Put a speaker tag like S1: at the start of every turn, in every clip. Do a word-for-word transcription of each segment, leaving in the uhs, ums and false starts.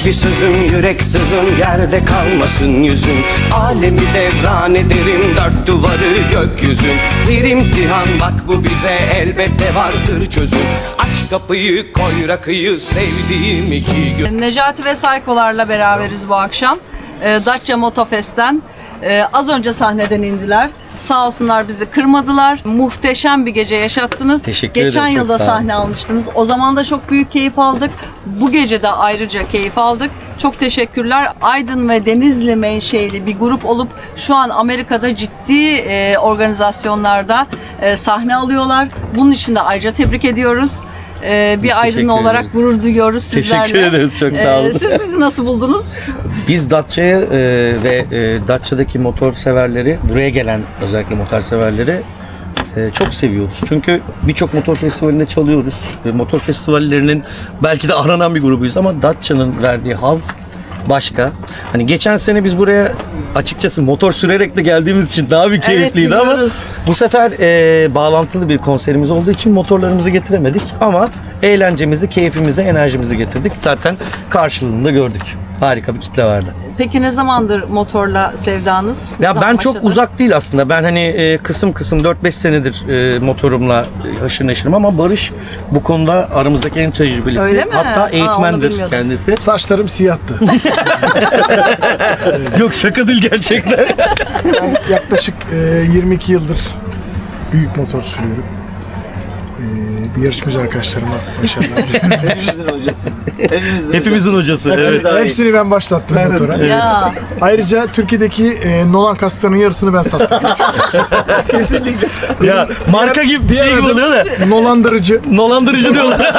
S1: bir sözüm, yürek sızım, yerde kalmasın yüzün. Alemi devran ederim, dört duvarı gökyüzün. Bir imtihan bak bu bize, elbette vardır çözüm. Aç kapıyı, koy rakıyı, sevdiğim iki gün.
S2: Necati ve Saykolarla beraberiz bu akşam. Ee, Datça Motofest'ten ee, az önce sahneden indiler. Sağ olsunlar, bizi kırmadılar. Muhteşem bir gece yaşattınız.
S3: Teşekkür
S2: Geçen
S3: ederim, çok
S2: yılda
S3: sağ olun.
S2: sahne almıştınız. O zaman da çok büyük keyif aldık. Bu gece de ayrıca keyif aldık. Çok teşekkürler. Aydın ve Denizli menşeli bir grup olup şu an Amerika'da ciddi e, organizasyonlarda e, sahne alıyorlar. Bunun için de ayrıca tebrik ediyoruz. Ee, bir Aydın
S3: teşekkür
S2: olarak
S3: ederiz.
S2: gurur duyuyoruz sizlerle.
S3: Teşekkür ederiz, çok sağ olun.
S2: Ee, siz bizi nasıl buldunuz?
S3: Biz Datça'yı e, ve e, Datça'daki motor severleri, buraya gelen özellikle motor severleri e, çok seviyoruz. Çünkü birçok motor festivalinde çalıyoruz. Ve motor festivallerinin belki de aranan bir grubuyuz ama Datça'nın verdiği haz başka. Hani geçen sene biz buraya açıkçası motor sürerek de geldiğimiz için daha bir keyifliydi ama
S2: biliyoruz.
S3: bu sefer e, bağlantılı bir konserimiz olduğu için motorlarımızı getiremedik ama eğlencemizi, keyfimizi, enerjimizi getirdik. Zaten karşılığında gördük. Harika bir kitle vardı.
S2: Peki ne zamandır motorla sevdanız? Ne
S3: Ya
S2: zaman
S3: ben çok
S2: başladı?
S3: uzak değil aslında. Ben hani e, kısım kısım dört beş senedir e, motorumla e, haşır neşirim ama Barış bu konuda aramızdaki en tecrübelisi.
S2: Öyle mi?
S3: Hatta
S2: Aa, onu
S3: eğitmendir
S2: bilmiyordum.
S3: kendisi.
S4: Saçlarım siyahtı.
S3: Yok şaka değil gerçekten.
S4: Ben yaklaşık e, yirmi iki yıldır büyük motor sürüyorum. E, bir yarışmacı arkadaşlarıma başarılar diliyorum.
S5: Hepimizin hocası. Hepimizin,
S3: Hepimizin hocası. Evet.
S4: Hepsini ben başlattım motora.
S2: Ya
S4: Ayrıca Türkiye'deki e, Nolan kaslarının yarısını ben sattım.
S3: Ya marka gibi bir şey gibi oluyor da.
S4: Nolandırıcı.
S3: Dolandırıcı diyorlar.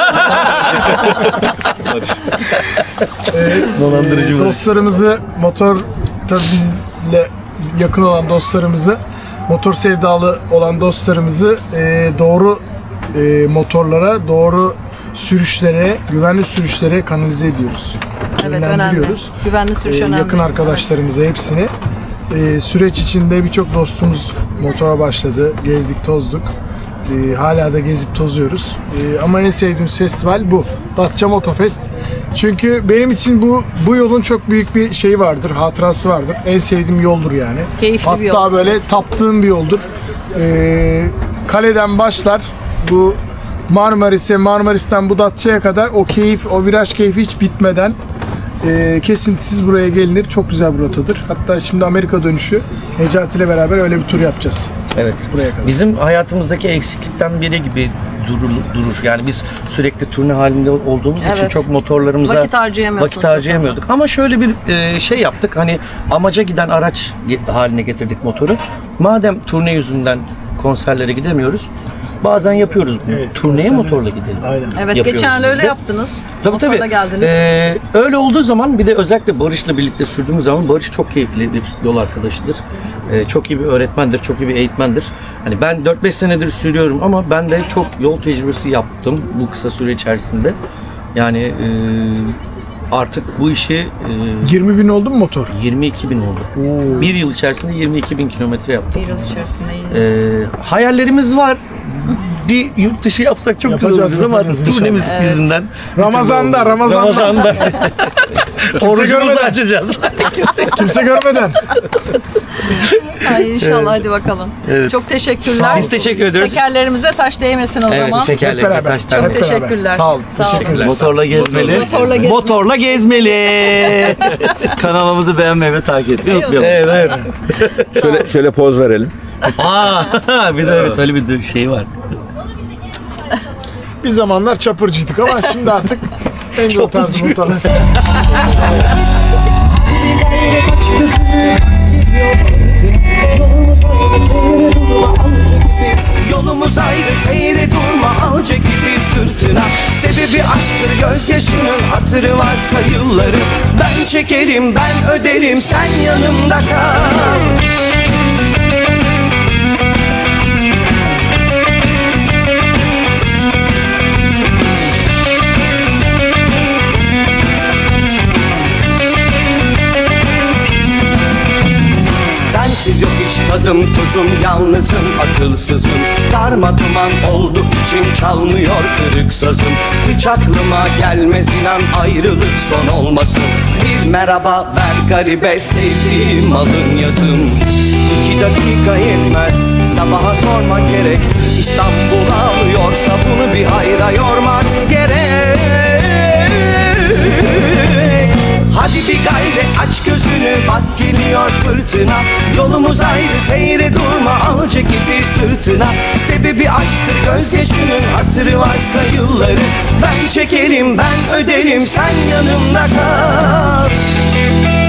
S3: Dolandırıcı
S4: E,
S3: Barış.
S4: dostlarımızı, motor tabii bizle yakın olan dostlarımızı, motor sevdalı olan dostlarımızı e, doğru e, motorlara, doğru sürüşlere, güvenli sürüşlere kanalize ediyoruz.
S2: evet önemli.
S4: Yönlendiriyoruz.
S2: Güvenli sürüş
S4: Ee,
S2: önemli.
S4: yakın arkadaşlarımıza hepsini. Ee, süreç içinde birçok dostumuz motora başladı. Gezdik, tozduk. Ee, hala da gezip tozuyoruz. Ee, ama en sevdiğimiz festival bu. Datça Motofest. Çünkü benim için bu bu yolun çok büyük bir şeyi vardır, hatırası vardır. En sevdiğim yoldur yani.
S2: Keyifli
S4: Hatta
S2: bir yol.
S4: böyle taptığım bir yoldur. Ee, kaleden başlar. Bu Marmaris'e, Marmaris'ten bu Datça'ya kadar o keyif, o viraj keyfi hiç bitmeden e, kesintisiz buraya gelinir. Çok güzel bir rotadır. Hatta şimdi Amerika dönüşü Necati ile beraber öyle bir tur yapacağız.
S3: Evet.
S4: Buraya kadar.
S3: Bizim hayatımızdaki eksiklikten biri gibi durur, durur. Yani biz sürekli turne halinde olduğumuz için
S2: Evet.
S3: çok motorlarımıza
S2: Vakit harcayamıyorsunuz
S3: vakit harcayamıyorduk. Ama şöyle bir e, şey yaptık. Hani amaca giden araç ge- haline getirdik motoru. Madem turne yüzünden konserlere gidemiyoruz, bazen yapıyoruz bunu.
S4: Evet,
S3: Turneye
S4: konserlere-
S3: motorla gidelim.
S4: Aynen.
S2: Evet
S3: yapıyoruz
S2: geçen
S3: biz
S2: öyle
S3: de.
S2: yaptınız.
S3: Tabii
S2: Motorla
S3: tabii.
S2: geldiniz.
S3: Ee, öyle olduğu zaman bir de özellikle Barış'la birlikte sürdüğümüz zaman Barış çok keyifli bir yol arkadaşıdır. Ee, çok iyi bir öğretmendir, çok iyi bir eğitmendir. Hani ben dört beş senedir sürüyorum ama ben de çok yol tecrübesi yaptım bu kısa süre içerisinde. Yani e, artık bu işi e,
S4: yirmi bin oldu mu motor?
S3: yirmi iki bin oldu. Bir yıl içerisinde yirmi iki bin kilometre yaptım.
S2: Bir yıl içerisinde iyi.
S3: Ee, hayallerimiz var. Bir yurt dışı yapsak çok güzel
S4: Yapacağız,
S3: olacak ama
S4: yapacağız inşallah.
S3: turnemiz yüzünden.
S4: Ramazan'da, Ramazan'da.
S3: Ramazan'da. Orucumuzu
S4: görmeden.
S3: açacağız.
S4: Kimse görmeden.
S2: Ay inşallah hadi bakalım.
S3: Evet.
S2: Çok teşekkürler.
S3: Biz teşekkür ediyoruz.
S2: Tekerlerimize taş değmesin o
S3: Evet,
S2: zaman.
S4: Hep
S3: tekerlekli
S4: beraber.
S3: taşlar.
S4: Hep beraber.
S2: Teşekkürler.
S4: Sağ olun.
S2: Sağ olun.
S4: Teşekkürler.
S5: Motorla gezmeli.
S2: Motorla gezmeli.
S5: Motorla gezmeli. Kanalımızı beğenmeyi ve takip etmeyi unutmayalım.
S3: Evet, evet.
S6: Şöyle, şöyle poz verelim.
S3: Aa, bir de evet öyle bir şey var.
S4: Bir zamanlar çapırcıydık ama şimdi artık en o tarz motorlar.
S1: Yolumuz ayrı, seyre durma, alca gibi sırtına. Sebebi aşktır, gözyaşının hatırı varsa yılları. Ben çekerim, ben öderim, sen yanımda kal. Sensiz yok Hiç tadım tuzum, yalnızım, akılsızım. Darmaduman oldu içim, çalmıyor kırık sazım. Hiç aklıma gelmez inan ayrılık son olmasın. Bir merhaba ver garibe, sevdiğim alın yazım. İki dakika yetmez, sabaha sormak gerek. İstanbul ağlıyorsa bunu bir hayra yormak gerek. Hadi bir gayret, aç gözünü, bak geliyor fırtına. Yolumuz ayrı, seyre durma, al ceketi sırtına. Sebebi aşktır gözyaşının, hatırı varsa yılları. Ben çekerim, ben öderim, sen yanımda kal.